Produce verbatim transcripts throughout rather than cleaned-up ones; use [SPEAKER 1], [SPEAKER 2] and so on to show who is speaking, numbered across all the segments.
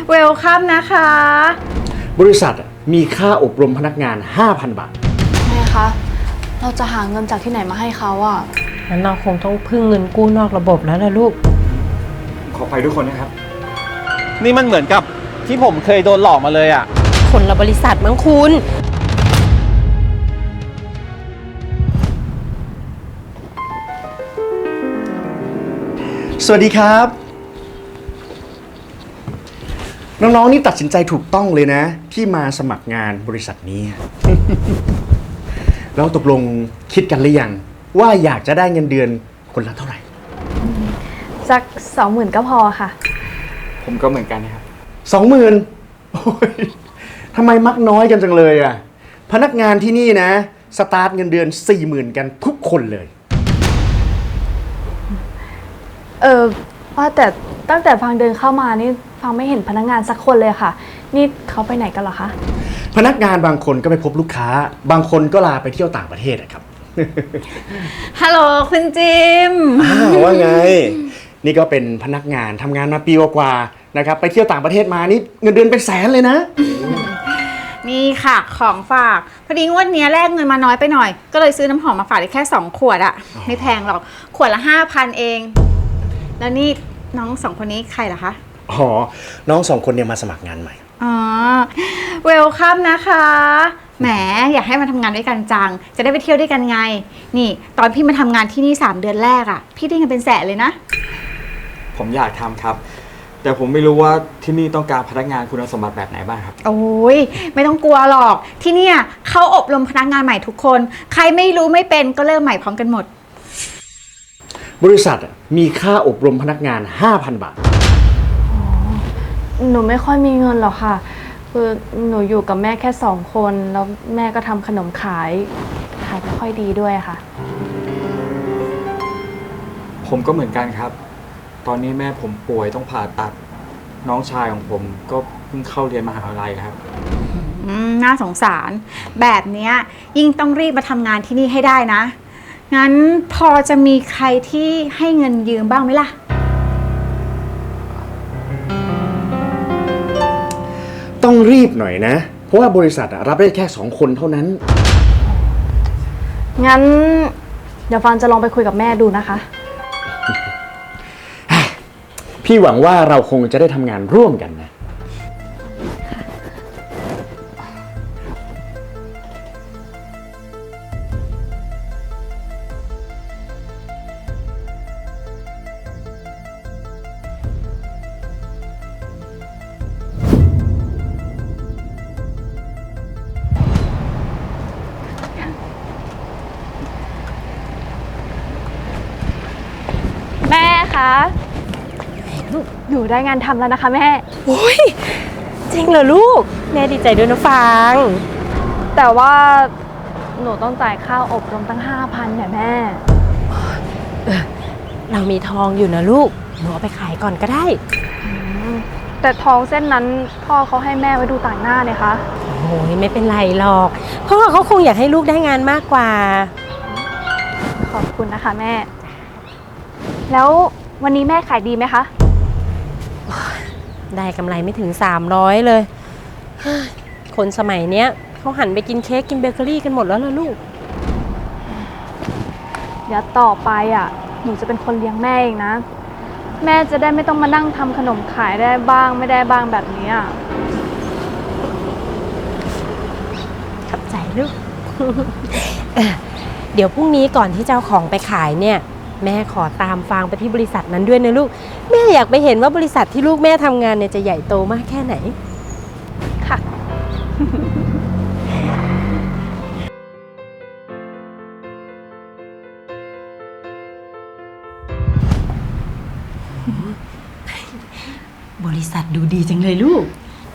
[SPEAKER 1] เวลคัมนะคะ
[SPEAKER 2] บริษัทมีค่าอบรมพนักงาน ห้าพัน บาท
[SPEAKER 3] แม่คะ เราจะหาเงินจากที่ไหนมาให้เขาอ่ะ
[SPEAKER 4] งั้นเราคงต้องพึ่งเงินกู้นอกระบบแล้วล่ะลูก
[SPEAKER 5] ขอไปทุกคนนะครับนี่มันเหมือนกับที่ผมเคยโดนหลอกมาเลยอ่ะ
[SPEAKER 4] คนละบริษัทมั้งคุณ
[SPEAKER 2] สวัสดีครับน้องๆนี่ตัดสินใจถูกต้องเลยนะที่มาสมัครงานบริษัทนี้ แล้วตกลงคิดกันหรือยังว่าอยากจะได้เงินเดือนคนละเท่าไหร่
[SPEAKER 3] สักสองหมื่นก็พอค่ะ
[SPEAKER 5] ผมก็เหมือนกันนะครับ
[SPEAKER 2] สองหมื่นทำไมมักน้อยกันจังเลยอ่ะพนักงานที่นี่นะสตาร์ทเงินเดือนสี่หมื่นกันทุกคนเลย
[SPEAKER 3] เออว่าแต่ตั้งแต่ฟังเดินเข้ามานี่ฟังไม่เห็นพนักงานสักคนเลยค่ะนี่เขาไปไหนกันเหรอคะ
[SPEAKER 2] พนักงานบางคนก็ไปพบลูกค้าบางคนก็ลาไปเที่ยวต่างประเทศนะครับ
[SPEAKER 1] ฮัลโหลคุณจิม
[SPEAKER 2] ว่าไงนี่ก็เป็นพนักงานทำงานมาปีกว่าๆนะครับไปเที่ยวต่างประเทศมานี่เงินเดือนเป็นแสนเลยนะ
[SPEAKER 1] นี่ค่ะของฝากพอดีงวดนี้แลกเงินมาน้อยไปหน่อยก็เลยซื้อน้ำหอมมาฝากได้แค่สองขวดอะไม่แพงหรอกขวดละห้าพันเองแล้วนี่น้องสองคนนี้ใครเหรอคะ
[SPEAKER 2] อ๋อน้องสองคนเนี่ยมาสมัครงานใหม่
[SPEAKER 1] อ๋อเวลคัมนะคะแหมอยากให้มาทำงานด้วยกันจังจะได้ไปเที่ยวด้วยกันไงนี่ตอนพี่มาทำงานที่นี่สามเดือนแรกอะพี่ได้เงินเป็นแสนเลยนะ
[SPEAKER 5] ผมอยากทำครับแต่ผมไม่รู้ว่าที่นี่ต้องการพนักงานคุณสมบัติแบบไหนบ้างครับ
[SPEAKER 1] โอ้ยไม่ต้องกลัวหรอกที่เนี่ยเขาอบรมพนักงานใหม่ทุกคนใครไม่รู้ไม่เป็นก็เริ่มใหม่พร้อมกันหมด
[SPEAKER 2] บริษัทมีค่าอบรมพนักงาน ห้าพัน บาท
[SPEAKER 3] หนูไม่ค่อยมีเงินหรอกค่ะคือหนูอยู่กับแม่แค่สองคนแล้วแม่ก็ทำขนมขายขายไม่ค่อยดีด้วยค่ะ
[SPEAKER 5] ผมก็เหมือนกันครับตอนนี้แม่ผมป่วยต้องผ่าตัดน้องชายของผมก็เพิ่งเข้าเรียนมหาวิทยาลัยครับ
[SPEAKER 1] น่าสงสารแบบนี้ยิ่งต้องรีบมาทำงานที่นี่ให้ได้นะงั้นพอจะมีใครที่ให้เงินยืมบ้างไหมล่ะ
[SPEAKER 2] ต้องรีบหน่อยนะเพราะว่าบริษัทรับได้แค่สองคนเท่านั้น
[SPEAKER 3] งั้นเดี๋ยวฟันจะลองไปคุยกับแม่ดูนะคะ
[SPEAKER 2] พี่หวังว่าเราคงจะได้ทำงานร่วมกันนะ
[SPEAKER 3] แม่คะหนูได้งานทำแล้วนะคะแม่
[SPEAKER 4] โอ้ยจริงเหรอลูกแม่ดีใจด้วยนะฟัง
[SPEAKER 3] แต่ว่าหนูต้องจ่ายค่าอบรมตั้งห้าพันเนี่ยแม่
[SPEAKER 4] เออเรามีทองอยู่นะลูกหนูเอาไปขายก่อนก็ได้
[SPEAKER 3] แต่ทองเส้นนั้นพ่อเขาให้แม่ไว้ดูต่างหน้าเลยคะ
[SPEAKER 4] โอ้ยไม่เป็นไรหรอกพ่อเขาคงอยากให้ลูกได้งานมากกว่า
[SPEAKER 3] ขอบคุณนะคะแม่แล้ววันนี้แม่ขายดีไหมคะ
[SPEAKER 4] ได้กำไรไม่ถึงสามร้อยเลยคนสมัยเนี้ยเขาหันไปกินเค้กกินเบเกอรี่กันหมดแล้วล่ะลูก
[SPEAKER 3] เดี๋ยวต่อไปอ่ะหนูจะเป็นคนเลี้ยงแม่เองนะแม่จะได้ไม่ต้องมานั่งทำขนมขายได้บ้างไม่ได้บ้างแบบนี้อ่ะ
[SPEAKER 4] ขอบใจลูก เดี๋ยวพรุ่งนี้ก่อนที่จะเอาของไปขายเนี่ยแม่ขอตามฟางไปที่บริษัทนั้นด้วยนะลูกแม่อยากไปเห็นว่าบริษัทที่ลูกแม่ทำงานเนี่ยจะใหญ่โตมากแค่ไหน
[SPEAKER 3] ค่ะ
[SPEAKER 4] บริษัทดูดีจังเลยลูก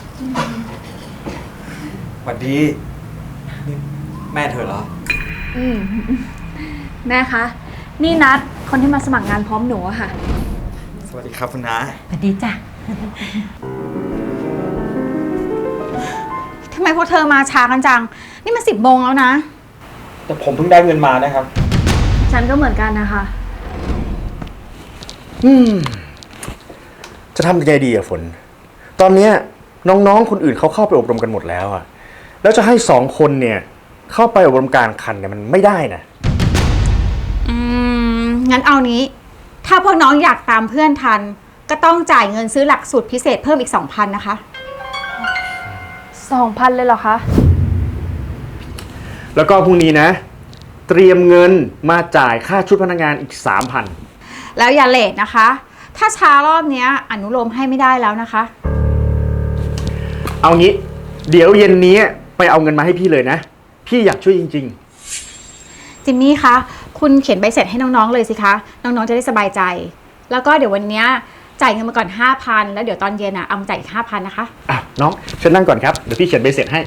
[SPEAKER 5] สวัสดีนี่แม่เธอเหรอ
[SPEAKER 3] อืมแม่คะนี่นัดคนที่มาสมัครงานพร้อมหนูอะค่ะ
[SPEAKER 5] สวัสดีครับคุณน้า
[SPEAKER 4] สวัสดีจ้ะ
[SPEAKER 1] ทำไมพวกเธอมาช้ากันจังนี่มันสิบโมงแล้วนะ
[SPEAKER 5] แต่ผมเพิ่งได้เงินมานะครับ
[SPEAKER 3] ฉันก็เหมือนกันนะคะ
[SPEAKER 2] อืมจะทำยังไงดีอะฝนตอนเนี้ยน้องๆคนอื่นเขาเข้าไปอบรมกันหมดแล้วอะแล้วจะให้สองคนเนี่ยเข้าไปอบรมกลางคันเนี่ยมันไม่ได้นะ
[SPEAKER 1] อืม งั้นเอานี้ ถ้าพวกน้องอยากตามเพื่อนทัน ก็ต้องจ่ายเงินซื้อหลักสูตรพิเศษเพิ่มอีก สองพัน นะคะ
[SPEAKER 3] สองพันเลยเหรอคะ
[SPEAKER 2] แล้วก็พรุ่งนี้นะ เตรียมเงินมาจ่ายค่าชุดพนักงานอีก สามพัน
[SPEAKER 1] แล้วอย่าเลทนะคะ ถ้าช้ารอบเนี้ยอนุโลมให้ไม่ได้แล้วนะคะ
[SPEAKER 2] เอางี้ เดี๋ยวเย็นนี้ไปเอาเงินมาให้พี่เลยนะ พี่อยากช่วยจริง
[SPEAKER 1] จิมมี่คะ คุณเขียนใบเสร็จให้น้องๆเลยสิคะ น้องๆจะได้สบายใจ แล้วก็เดี๋ยววันเนี้ยจ่ายเงินมาก่อน ห้าพัน แล้วเดี๋ยวตอนเย็นอ่ะเอามาจ่ายอีก ห้าพัน นะคะ
[SPEAKER 2] ๆ อ่ะน้องเชิญนั่งก่อนครับ เดี๋ยวพี่เขียนใบเสร็จให้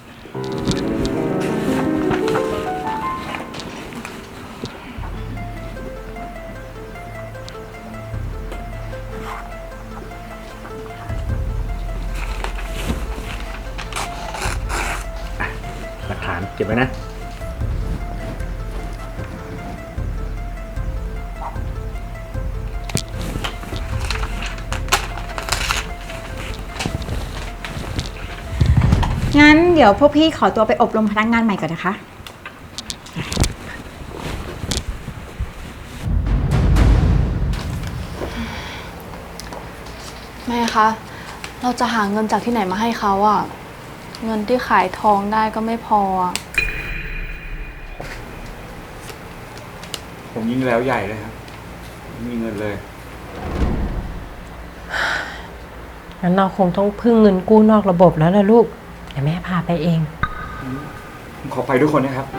[SPEAKER 2] หลักฐานเก็บไว้นะ
[SPEAKER 1] งั้นเดี๋ยวพวกพี่ขอตัวไปอบรมพนักงานใหม่ก่อนนะคะ
[SPEAKER 3] แม่คะ เราจะหาเงินจากที่ไหนมาให้เขาอะเงินที่ขายทองได้ก็ไม่พออะ
[SPEAKER 5] ผมยิ่งแล้วใหญ่เลยครับไม่มีเงินเลย
[SPEAKER 4] งั้นเราคงต้องพึ่งเงินกู้นอกระบบแล้วล่ะลูก เดี๋ยวแม่พาไปเอง
[SPEAKER 5] ผมขอไปทุกคนนะครับ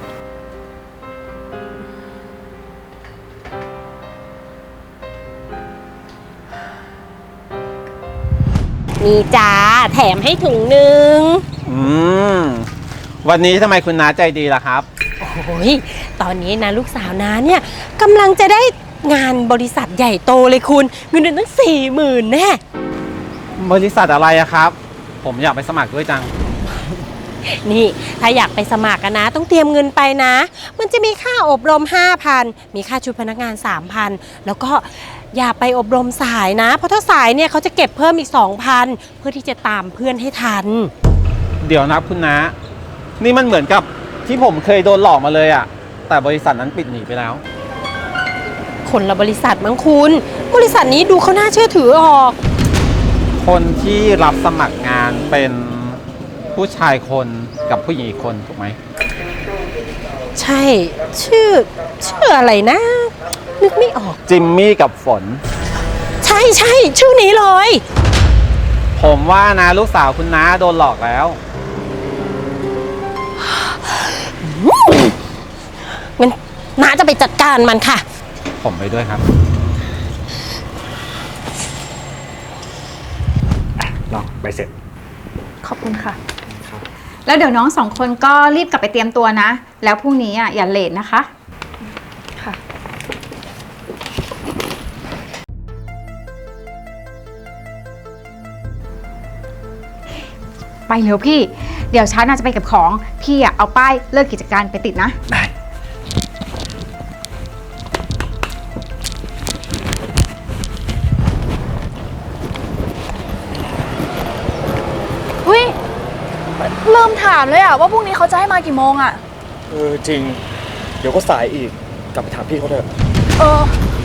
[SPEAKER 4] นี่จ้าแถมให้ถุงหนึ่ง
[SPEAKER 6] อืม วันนี้ทำไมคุณน้าใจดีล่ะครับ
[SPEAKER 4] โอ้ยตอนนี้นะลูกสาวน้าเนี่ยกำลังจะได้งานบริษัทใหญ่โตเลยคุณ เงินเดือนตั้งสี่หมื่นแน่
[SPEAKER 6] บริษัทอะไรอะครับ ผมอยากไปสมัครด้วยจัง
[SPEAKER 4] นี่ถ้าอยากไปสมัครกันนะ ต้องเตรียมเงินไปนะ มันจะมีค่าอบรม ห้าพัน มีค่าชุดพนักงาน สามพัน แล้วก็อย่าไปอบรมสายนะ เพราะถ้าสายเนี่ยเขาจะเก็บเพิ่มอีก สองพัน เพื่อที่จะตามเพื่อนให้ทัน
[SPEAKER 6] เดี๋ยวนะคุณน้า นี่มันเหมือนกับที่ผมเคยโดนหลอกมาเลยอะแต่บริษัทนั้นปิดหนีไปแล้ว
[SPEAKER 4] คนละบริษัทมั้งคุณ บริษัทนี้ดูเขาน่าเชื่อถือออก
[SPEAKER 6] คนที่รับสมัครงานเป็นผู้ชายคนกับผู้หญิงอีกคนถูกไหม
[SPEAKER 4] ใช่ ชื่อ ชื่ออะไรนะ นึกไม่ออก
[SPEAKER 6] จิมมี่กับฝน
[SPEAKER 4] ใช่ใช่ชื่อนี้เลย
[SPEAKER 6] ผมว่านะลูกสาวคุณน้าโดนหลอกแล้ว
[SPEAKER 4] งั้นน้าจะไปจัดการมันค่ะ
[SPEAKER 6] ผมไปด้วยครับ
[SPEAKER 2] ลองใบเสร็จ
[SPEAKER 3] ขอบคุณค่ะ
[SPEAKER 1] แล้วเดี๋ยวน้องสองคนก็รีบกลับไปเตรียมตัวนะ แล้วพรุ่งนี้อ่ะอย่าเลทนะคะ
[SPEAKER 3] ค่ะ
[SPEAKER 1] ไปเร็วพี่ เดี๋ยวฉันน่าจะไปเก็บของ พี่อ่ะเอาป้ายเลิกกิจการไปติดนะ
[SPEAKER 2] ได้
[SPEAKER 3] อุ้ยเริ่มถามเลยอะว่าพรุ่งนี้เขาจะให้มากี่โมงอะ
[SPEAKER 2] เออจริง เดี๋ยวก็สายอีก กลับไปถามพี่เขาเถอะ
[SPEAKER 3] เออ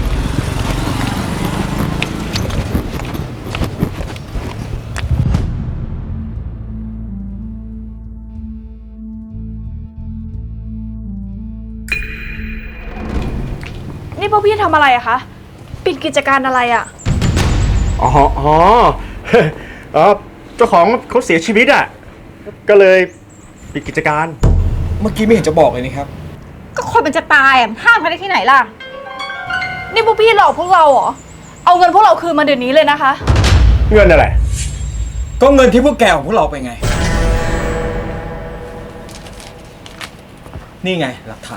[SPEAKER 3] นี่พวกพี่ทำอะไรอะคะ ปิดกิจการอะไรอะ
[SPEAKER 2] อ๋ออ๋อ เออเจ้าของเขาเสียชีวิตอ่ะ ก็เลยปิดกิจการ
[SPEAKER 5] เมื่อกี้ไม่เห็นจะบอกเลยนี่ครับ
[SPEAKER 1] ก็คนมันจะตายอ่ะห้ามเขาได้ที่ไหนล่ะ
[SPEAKER 3] นี่พวกพี่หลอกพวกเราเหรอ เอาเงินพวกเราคืนมาเดี๋ยวนี้เลยนะคะ
[SPEAKER 2] เงินอะไร
[SPEAKER 5] ก็เงินที่พวกแกของพวกเราไปไง นี่ไงหลักฐาน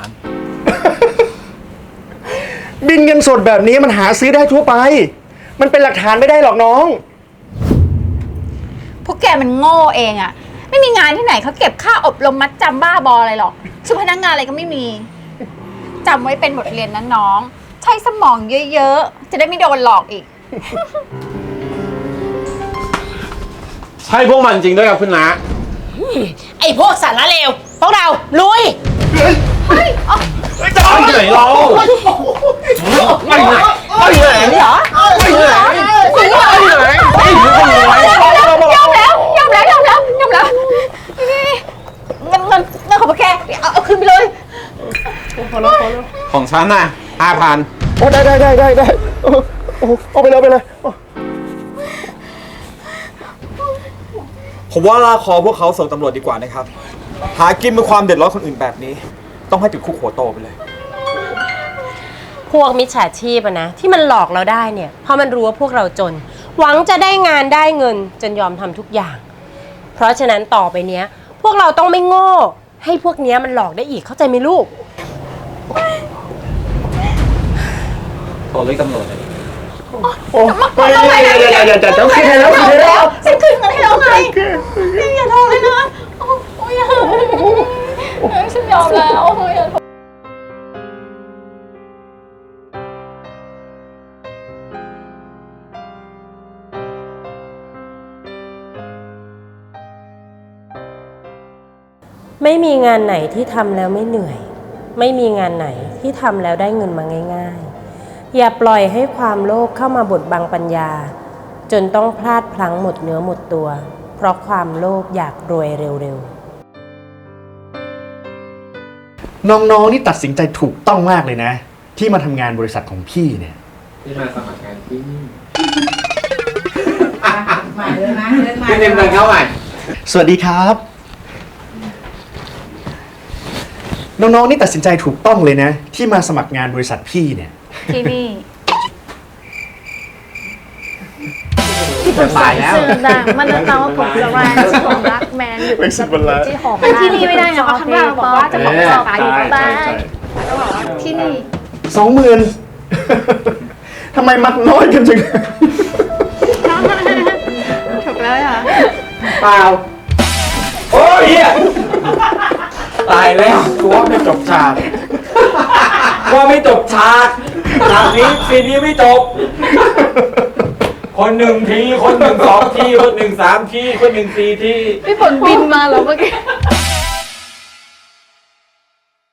[SPEAKER 2] บินเงินสดแบบนี้มันหาซื้อได้ทั่วไป มันเป็นหลักฐานไม่ได้หรอกน้อง
[SPEAKER 1] พวกแกมันโง่เองอ่ะ ไม่มีงานที่ไหนเขาเก็บค่าอบรมมัดจำบ้าบออะไรหรอกชุดพนักงานอะไรก็ไม่มีจำไว้เป็นบทเรียนนะน้อง ใช้สมองเยอะๆ จะได้ไม่โดนหลอกอีก
[SPEAKER 6] ใช่พวกมันจริงด้วยครับคุณน้า
[SPEAKER 4] ไอ้พวกสารเลวพวกเราลุย
[SPEAKER 6] ไปไหนเราไปไหนไปไหนเหรอไปไหนไปไหนไปไหน
[SPEAKER 1] ยอมแล้วยอมแล้วยอมแล้วยอมแล้วนี่เงินเงินเงินของพวกแกเอาเอาคืนไปเลย
[SPEAKER 6] ของฉันน่ะห้าพัน
[SPEAKER 2] โอ้ได้ได้ได้ได้ได้โอ้โอ้เอาไปเลยเอาไปเลยโอ้
[SPEAKER 5] ผมว่าลากคอพวกเขาส่งตำรวจดีกว่านะครับ หากินเป็นความเดือดร้อนคนอื่นแบบนี้ ต้องให้ติดคุกหัวโตไปเลย
[SPEAKER 4] พวกมิจฉาชีพอะนะที่มันหลอกเราได้เนี่ยเพราะมันรู้ว่าพวกเราจน หวังจะได้งานได้เงินจนยอมทำทุกอย่าง เพราะฉะนั้นต่อไปเนี้ย พวกเราต้องไม่โง่ ให้พวกเนี้ยมันหลอกได้อีกเข้าใจไหมลูก
[SPEAKER 6] โทรเรียกตำรวจเลย
[SPEAKER 2] โอ้เดี๋ยวเดี๋ยวเดี๋ยวเดี๋ยวเดี๋ยวเดี๋ยวคืนให้แล้วคืนให้แล้ว
[SPEAKER 1] ฉันคืนเงินให้แล้วไงนี่อย่าโทรเลยนะโอ้โอ้ยอย่าฉันยอมแล้วโอ้ยอย่าโทร
[SPEAKER 4] ไม่มีงานไหนที่ทำแล้วไม่เหนื่อย ไม่มีงานไหนที่ทำแล้วได้เงินมาง่ายๆ อย่าปล่อยให้ความโลภเข้ามาบดบังปัญญา จนต้องพลาดพลั้งหมดเนื้อหมดตัว เพราะความโลภอยากรวยเร็วๆ
[SPEAKER 2] น้องๆนี่ตัดสินใจถูกต้องมากเลยนะ ที่มาทำงานบริษัทของพี่เนี่ย
[SPEAKER 6] ที่มาสมัครงานที่นี่
[SPEAKER 7] มาเลยนะเดินมา
[SPEAKER 6] พี่เต็มเดินเข้าใหม่
[SPEAKER 2] สวัสดีครับ น้องๆนี่ตัดสินใจถูกต้องเลยนะ ที่มาสมัครงานบริษัทพี่เนี่ย
[SPEAKER 1] ที่นี่
[SPEAKER 6] ตายแล้ว
[SPEAKER 3] ชื่อดังมันจะตามว่าผมจะแรงชื่อของรักแมนอยู่
[SPEAKER 2] เป็นสิบวันแล้ว
[SPEAKER 3] ที่ของ
[SPEAKER 1] อันที่นี่ไม่ได้นะเพราะข้างล่างบอกว่าจะบอกสอบอยู่ข้างใต้
[SPEAKER 2] ใช่
[SPEAKER 1] ที่นี่
[SPEAKER 2] สองหมื่นทำไมมักน้อยกันจัง
[SPEAKER 1] ถูกแล้วอ่ะ
[SPEAKER 6] เปล่า
[SPEAKER 5] โอ้ยเฮียตายแล้วกูว่าไม่จบฉากว่าไม่จบฉากฉากนี้ซีนนี้ไม่จบ คนหนึ่งที คนหนึ่งสองที คนหนึ่งสามที คนหนึ่งสี่ที
[SPEAKER 3] พี่ฝนบินมาเหรอเมื่อกี้